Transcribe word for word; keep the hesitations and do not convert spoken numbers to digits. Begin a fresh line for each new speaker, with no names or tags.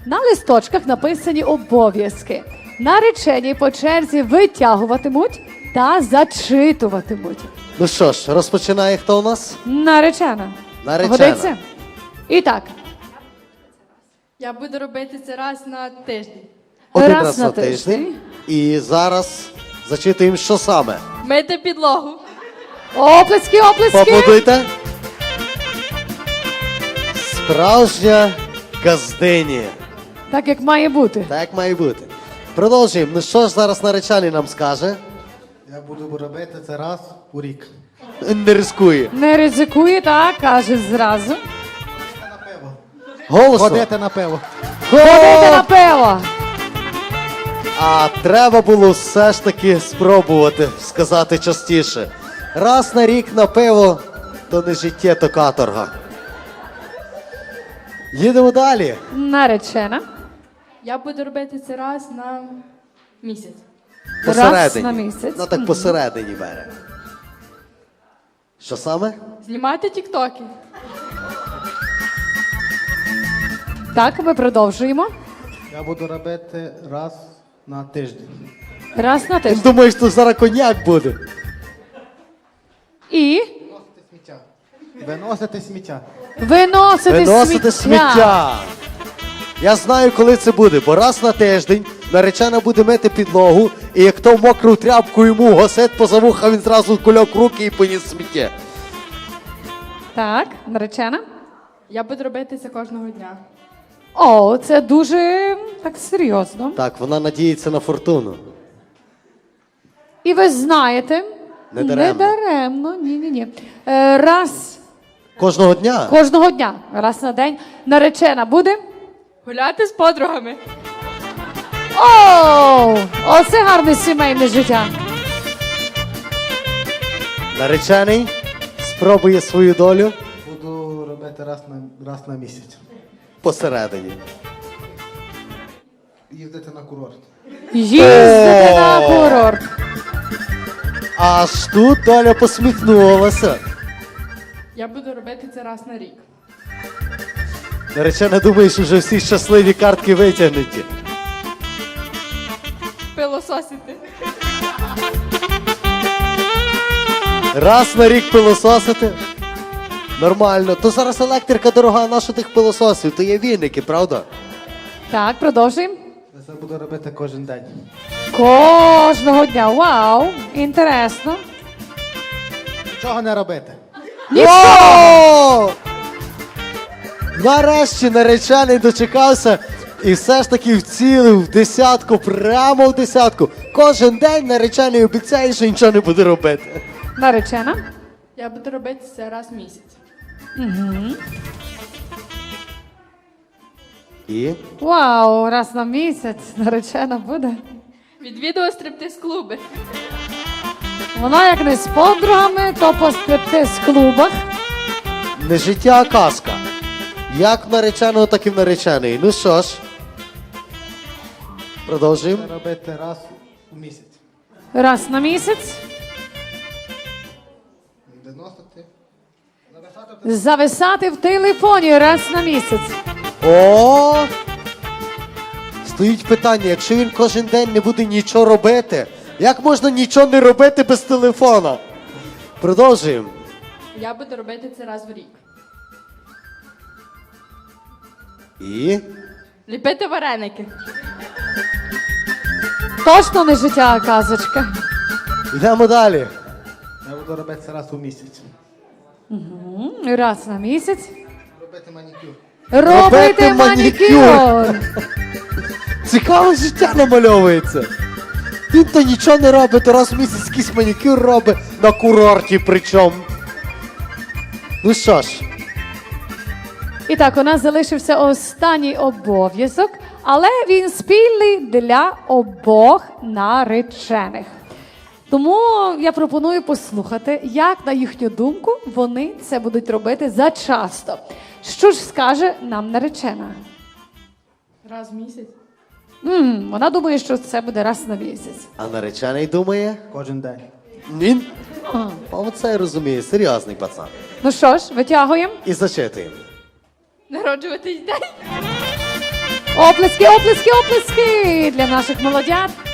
На листочках написані обов'язки. Наречені по черзі витягуватимуть та зачитуватимуть.
Ну що ж, розпочинає хто у нас?
Наречена.
Наречена.
Годиться? І так.
Я буду робити це раз на тиждень.
Один
Раз
раз
на
на тиждень. І зараз зачитуємо, що саме.
Мити підлогу.
Оплески, оплески.
Поаплодуйте. Справжня газдині.
Так, як має бути.
Так як має бути. Продовжуємо. Ну що ж зараз наречений нам скаже?
Я буду робити це раз у рік.
Не ризикує.
Не ризикує, так, каже зразу.
На пиво.
Голосно.
Ходити на пиво.
Ходити на пиво.
А треба було все ж таки спробувати сказати частіше. Раз на рік на пиво, то не життя, то каторга. Їдемо далі.
Наречена.
Я буду робити це раз на місяць.
Раз
Посередині.
на місяць.
Ну так
Мгм.
посередині бере. Що саме?
Знімати тіктоки.
Так, ми продовжуємо.
Я буду робити раз на тиждень.
Раз на тиждень.
Думаєш, тут зараз коньяк буде?
І
Виносити сміття. Виносити сміття.
виносити,
Виносити сміття. Я знаю, коли це буде, бо раз на тиждень наречена буде мити підлогу, і як то мокру тряпку йому гасет поза вуха, він зразу кульок руки і поніс сміття.
Так, наречена.
Я буду робити це кожного дня.
О, це дуже так серйозно.
Так, вона надіється на фортуну.
І ви знаєте,
Не даремно.
даремно, ні-ні-ні. Е, раз
Кожного дня?
кожного дня, раз на день, наречена буде.
Гуляти з подругами.
О, оце гарне сімейне життя.
Наречений спробує свою долю
Буду робити раз на, раз на місяць.
посередині.
Їздити на курорт.
Їздити
О!
на курорт.
Аж тут доля посміхнулася.
Я буду робити це раз на рік.
Наречена думає, що вже всі щасливі картки витягнуті.
Пилососити.
Раз на рік пилососити. Нормально. То зараз електрика дорога, на що тих пилососів? То є вінники, правда?
Так, продовжуємо.
Я це буду робити кожен день.
Кожного дня. Вау, інтересно.
Нічого не робити.
О! Нарешті наречений дочекався і все ж таки вцілив в десятку, прямо в десятку. Кожен день наречений обіцяє, що нічого не буде робити.
Наречена.
Я буду робити це раз в місяць.
І?
Вау, раз на місяць наречена буде.
Відвідую стриптиз-клуби.
Вона як не з подругами, то по стриптиз-клубах.
Не життя, а казка. Як в нареченого, так і в нареченої. Ну що ж, продовжуємо.
Це робити раз у місяць.
Раз на місяць.
Виносити. Зависати в
Зависати в телефоні раз на місяць.
О! Стоїть питання, якщо він кожен день не буде нічого робити, як можна нічого не робити без телефона? Продовжуємо.
Я буду робити це раз в рік.
І?
Ліпити вареники.
Точно не життя, а казочка.
Йдемо далі.
Я буду робити це раз у місяць.
М, Раз на місяць.
Робити манікюр.
Робити
Робити манікюр.
манікюр.
Цікаве життя намальовується. Він то нічого не робить, то раз в місяць якийсь манікюр робить на курорті причому. Ну що ж,
І так, у нас залишився останній обов'язок, але він спільний для обох наречених. Тому я пропоную послухати, як, на їхню думку, вони це будуть робити зачасто. Що ж скаже нам наречена?
Раз в місяць.
М, вона думає, що це буде раз на місяць.
а наречений думає?
Кожен день.
Він? О, це я розумію, серйозний пацан.
Ну що ж, витягуємо.
І зачитуємо.
Народжуватись день.
Оплески, оплески, оплески для наших молодят.